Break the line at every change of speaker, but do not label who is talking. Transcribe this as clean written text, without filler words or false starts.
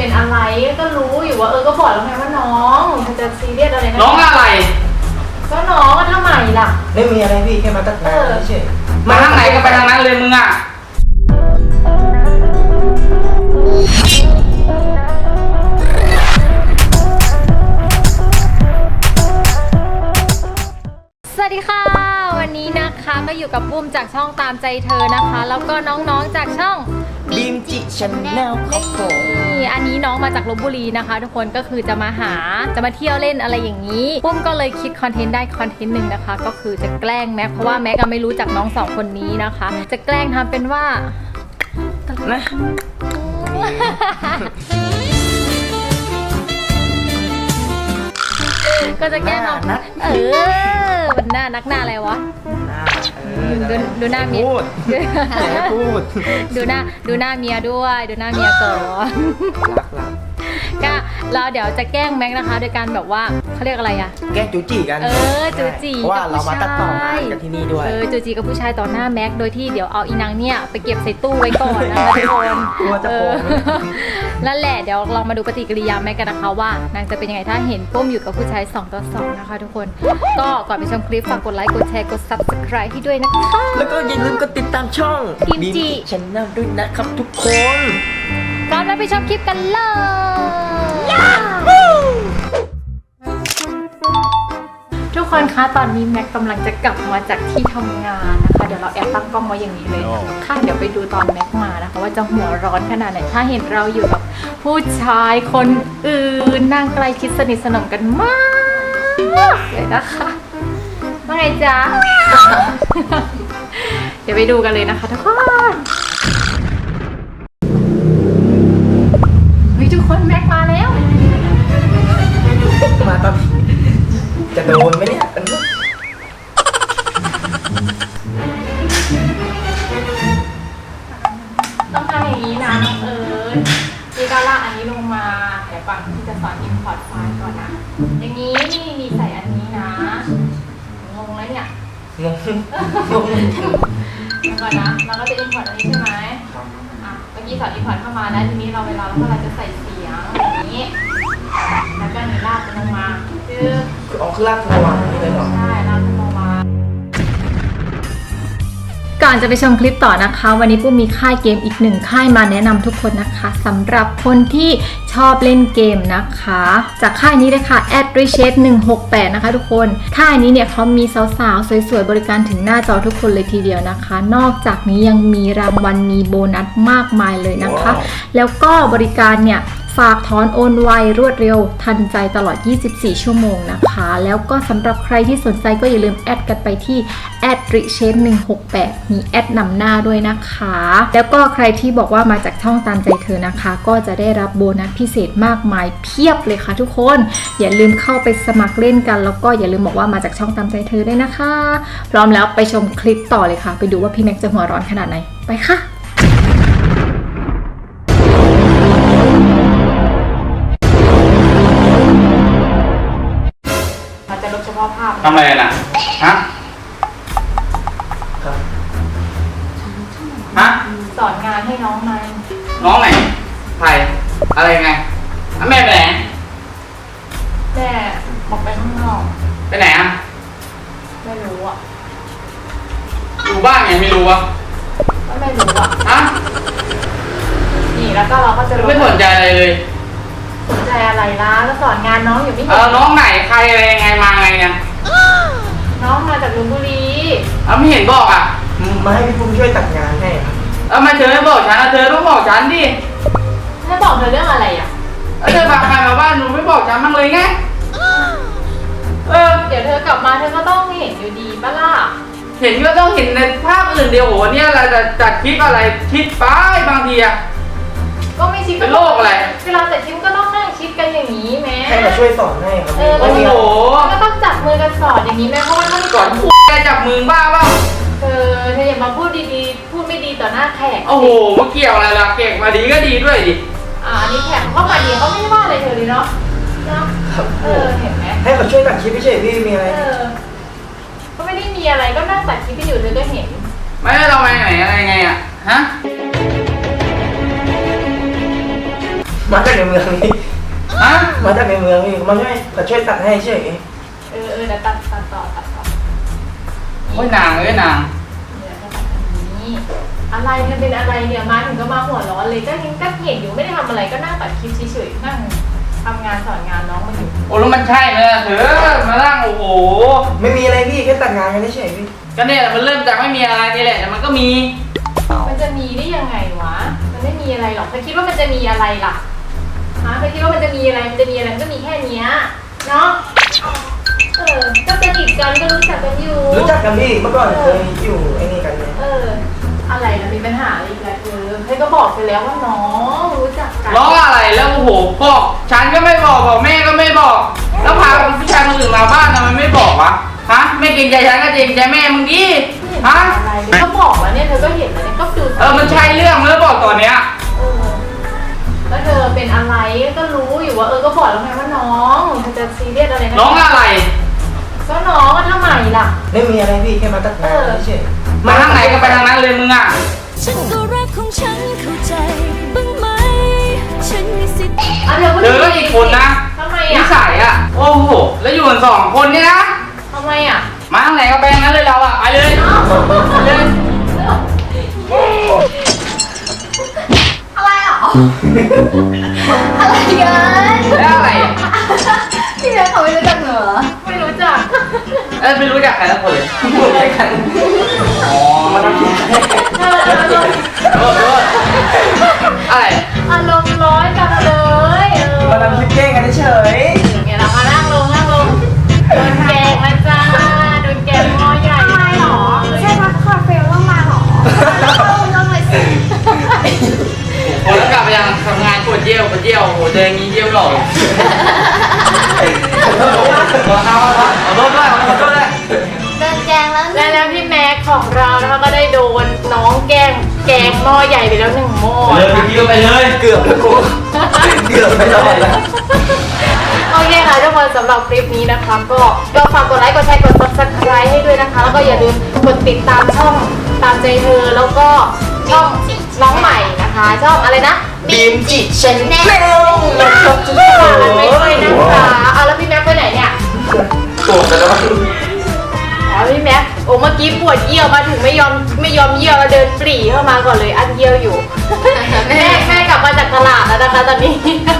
เป็นอะไรก็รู้อยู่ว่าก็บอกแล้วไงว่าน้องมันจะซีเรียสอะไรนะ
น้องอะไร
ก็น้องก็ทำไมล่ะ
ไม่มีอะไรพี่แค่มาตัดงานเฉย
มาทางไหนก็ไปทางนั้นเลยมึงอ่ะ
สวัสดีค่ะวันนี้นะคะก็อยู่กับปุ้มจากช่องตามใจเธอนะคะแล้วก็น้องๆจากช่อง
บีมจิชแนลครับผม
อันนี้น้องมาจากลพบุรีนะคะทุกคนก็คือจะมาเที่ยวเล่นอะไรอย่างนี้ปุ้มก็เลยคิดคอนเทนต์ได้คอนเทนต์หนึ่งนะคะก็คือจะแกล้งแม็กเพราะว่าแม็กไม่รู้จักน้องสองคนนี้นะคะจะแกล้งทำเป็นว่า
นะ
ก็จะแกล้งน้องมันหน้านักหน้าอะไรวะดูหน้าเมีย
พูด
ดูหน้าเมียด้วยดูหน้าเมียก่อนก็เราเดี๋ยวจะแกล้งแม็กนะคะโดยการแบบว่าเขาเรียกอะไรอะ
แกล้งจูจีกัน
จูจี
เพราะว่าเรามาตัดต่องานกันที่นี่ด้วย
จูจีกับผู้ชายต่อหน้าแม็กโดยที่เดี๋ยวเอาอีนางเนี่ยไปเก็บใส่ตู้ไว้ก่อนนะคะทุกคนนั่นแหละเดี๋ยวลองมาดูปฏิกิริยาแม็กกันนะคะว่านางจะเป็นยังไงถ้าเห็นปุ้มอยู่กับผู้ชาย2 ต่อ 2นะคะทุกคนก็ก่อนไปชมคลิปฝากกดไลค์กดแชร์กด Subscribe ให้ด้วยนะคะ
แล้วก็อย่าลืมกดติดตามช่อง
บีมจิ
ชแนลด้วยนะครับทุกคน
ก่อนไปชมคลิปกันเลยทุกคนคะตอนนี้แม็กกำลังจะกลับมาจากที่ทำงานนะคะเดี๋ยวเราแอบตั้งกล้องไว้อย่างนี้เลยค่ะเดี๋ยวไปดูตอนแม็กมานะคะว่าจะหัวร้อนขนาดไหนถ้าเห็นเราอยู่กับผู้ชายคนอื่นนั่งใกล้ชิดสนิทสนมกันมากเลยนะคะว่าไงจ๊ะ เดี๋ยวไปดูกันเลยนะคะทุกคนทุกคนแม็กมาแล้ว
มาตอนจะโดนไหมเนี่ย
ต้องทำอย่างนี้นะน้องพี่ก็ลากอันนี้ลงมาเดี๋ยวก่อนที่จะสอน import ไฟล์ก่อนนะอย่างนี้นี่มีใส่อันนี้นะงงแล้วเนี่ยงงก่อนนะเราก็จะ import อันนี้ใช่ไหมเมื่อกี้สอน import เข้ามาแล้วทีนี้เวลาเราจะใส่เสียงอย่างนี้แล้วก็นี่ลากลงมาคือ
ลากลงมานี่เลยเหรอ
ใช่ลากลงมาก่อนจะไปชมคลิปต่อนะคะวันนี้ปุ้มมีค่ายเกมอีก1ค่ายมาแนะนำทุกคนนะคะสำหรับคนที่ชอบเล่นเกมนะคะจากค่ายนี้เลยค่ะ @richet168 นะคะทุกคนค่ายนี้เนี่ยเขามีสาวๆสวยๆบริการถึงหน้าจอทุกคนเลยทีเดียวนะคะนอกจากนี้ยังมีรางวัลมีโบนัสมากมายเลยนะคะ แล้วก็บริการเนี่ยฝากถอนโอนไวรวดเร็วทันใจตลอด24ชั่วโมงนะคะแล้วก็สำหรับใครที่สนใจก็อย่าลืมแอดกันไปที่ @richet168 มีแอดนำหน้าด้วยนะคะแล้วก็ใครที่บอกว่ามาจากช่องตามใจเธอนะคะก็จะได้รับโบนัสพิเศษมากมายเพียบเลยค่ะทุกคนอย่าลืมเข้าไปสมัครเล่นกันแล้วก็อย่าลืมบอกว่ามาจากช่องตามใจเธอด้วยนะคะพร้อมแล้วไปชมคลิปต่อเลยค่ะไปดูว่าพี่แม็กจะหัวร้อนขนาดไหนไปค่ะ
ทำอะไรน่ะฮะ
สอนงานให้น้องไหม
น้องไหนใครอะไรไงแม่ไปไหน
แม่ออกไปข้างนอก
ไปไหนอ่ะ
ไม่รู้อ่ะ
อยู่บ้านไงไม่รู้อ่ะ
ก็ไม่รู้อ่ะนี่แล้วก็เราก็จะ
ไม่สนใจอะไรเลย
สนใจอะไรล่ะก็สอนงานน้องอยู่ไม่เห็น
น้องไหนใครอะไรยังไงมาไงเนี่ย
น้องมาจากลพบุรี
ไม่เห็นบอกอ่ะ
มาให้พี่ปุ้มช่วยตัดงานให้
มาเธอไม่บอกฉันเธอต้องบอกฉันดิ
ให้บอกเธอเรื่องอะไรอ่ะ
เธอพาใครมาบ้านหนูไม่บอกฉันมั่งเลยไง
เดี๋ยวเธอกลับมาเธอก็ต้องเห็นอยู่ดีปะล่ะ
เห็นก็ต้องเห็นในภาพอื่นเดียวโหเนี่ยอะไรจัดคลิปอะไรคิดไปบางทีอะ
ก็ไม่ชิด
เป็นโรคอะไร
เวลาแต่ชิดก็ต้องนั่งชิดกันอย่างนี้แม่
ให้มาช่วยสอนให้ครับ
โอ้โห
ก็ต้องจับมือกันสอนอย่างนี้แม่เพราะว่าถ้า
สอนแกจับมือบ้าเปล่า
เธออย่ามาพูดดีๆพูดไม่ดีต่อหน้าแขก
โอ้โหมาเกี่ยวอะไรล่ะแขกมาดีก็ดีด้วยดิ
อันนี้แขกเขามาดีเขาไม่ว่าอะไรเธอเลยเนาะเห็นไหม
ให้เขาช่วยตัดคลิปไม่ใช่พี่มีอะไร
ก็ไม่ได้มีอะไรก็นั่งตัดคลิปไปอยู่เธอก็เห็น
ไม่ได้เราไปไหนอะไรไงอ่ะฮะ
มาจากในเมืองพี่
ฮะ
มาจากในเมืองพี่เขาช่วยตัดให้เฉย
เดี๋ยวตัดต่อ
โอ้ยนางเอ้ยนาง
เดี๋ยวจะตัดอันนี้อะไรเนี่ยเป็นอะไรเนี่ยมาถึงก็มาหัวร้อนเลยก็เห็นอยู่ไม่ได้ทำอะไรก็นั่งตัดคลิปเฉยๆนั่งทำงานสอนงานน้องมาอยู่
โอ้แล้วมันใช่ไหมล่ะเธอมานั่งโอ้โห
ไม่มีอะไรพี่แค่ตัดงานกันเฉยพี่
ก็เนี่ยมันเริ่มจากไม่มีอะไรนี่แหละแต่มันก็มี
มันจะมีได้ยังไงวะมันไม่มีอะไรหรอกเธอคิดว่ามันจะมีอะไรล่ะฮะเธอคิดว่ามันจะมีอะไรมันก็มีแค่เนี้ยเนาะก็สนิทกันก็รู้จักกันอยู่
รู้จักกันพี่เมื่อก่อนเคยอยู่ไอ้นี่กันเลย
อะไรนะมีปัญหาอะไรอีกแล้วเธอก็บอกไปแล้วว่าน้องรู้จักกัน
ล้ออะไรแล้วโอ้โหบอกฉันก็ไม่บอกแม่ก็ไม่บอก แล้วพาผู้ชายคนอื่นมาบ้านทำไมไม่บอกวะฮะไม่เกรงใจฉันก็เกรงใจแม่มึงดิฮะ
อะไรก็บอกแล้วเนี่ยเธอก็เห็นแล้วเนี่ยก็ดู
มันใช่เรื่องแล้วบอกตอนเนี้ย
แล้วเธอเป็นอะไรก็รู้อยู่ว่าก็บอกแล้วไงว่าน้องเธอจะซีเรียสอะไรนะ
น้องอะไร
ก็น้องก็ทำไมล่ะ
ไม่มีอะไรพี่แค่มาตัดงานเฉย
มาทางไหนก็ไปทางนั้นเลยมึงอ่ะ
ฉันก็รักของฉันเข้าใจบ้างไหมฉันมีสิทธิ์
เธอก็อีกคนนะ
ทำไม
นิ
อ่ะ
สัยอ่ะโอ้โหแล้วอยู่กัน2 คนเนี่ยนะ
ทำไมอ่ะ
มาทางไหนก็ไปทางนั้นเลยเราอ่ะไปเลยไปเลย
อะไรอ่ะอะไรกัน
แล้วอะไรอ่ะ
พี่แม่เขาไม่รู้จักเหรอไม่รู้จัก
ไม่รู้จักใครทั้งคนเลย
ๆพูดด้วยกัน
อ๋อ
มาทำกิน
โทษอะไร
อารมณ์ร้อนจังเลย
มาทำคลิปแกล้งกันเฉย
เนี่ยเรามานั่งลงโดนแกงมาจ้าโดนแกงหม้อใหญ่ทำไมหรอใช่พักคาเฟ่ต้องมาหรอต้องเลยสิ
โอ้แล้วกลับไปยังทำงานปวดเยี่ยวโอ้โหเจออย่างงี้เยี่ยวหลอกขอโทษด้วย
โดนแกงแล้ว
แล้วพี่แม็กของเรานะคะก็ได้โดนน้องแกงหม้อใหญ่ไปแล้ว1 หม้อ
เลยไปคิวไปเลย
เกือบแล้วกูเกือบไปแล้ว
โอเคค่ะทุกคนสำหรับคลิปนี้นะคะก็ฝากกดไลค์กดแชร์กด subscribe ให้ด้วยนะคะ แล้วก็อย่าลืมกดติดตามช่องตามใจเธอแล้วก็ช่องน้องใหม่นะคะช่องอะไรนะ
บีมจิชแนล
ฝากกันไว้ด้วยนะคะเอาแล้วพี่แม็กไปไหนเนี่ย
โกรธกันแล้ว
อ๋อพี่แม็กโอ้เมื่อกี้ปวดเยี่ยวมาถึงไม่ยอมเยี่ยวแล้วเดินปรีเข้ามาก่อนเลยอันเยี่ยวอยู่ แม่กลับมาจากตลาดแล้วนะคะตอนนี้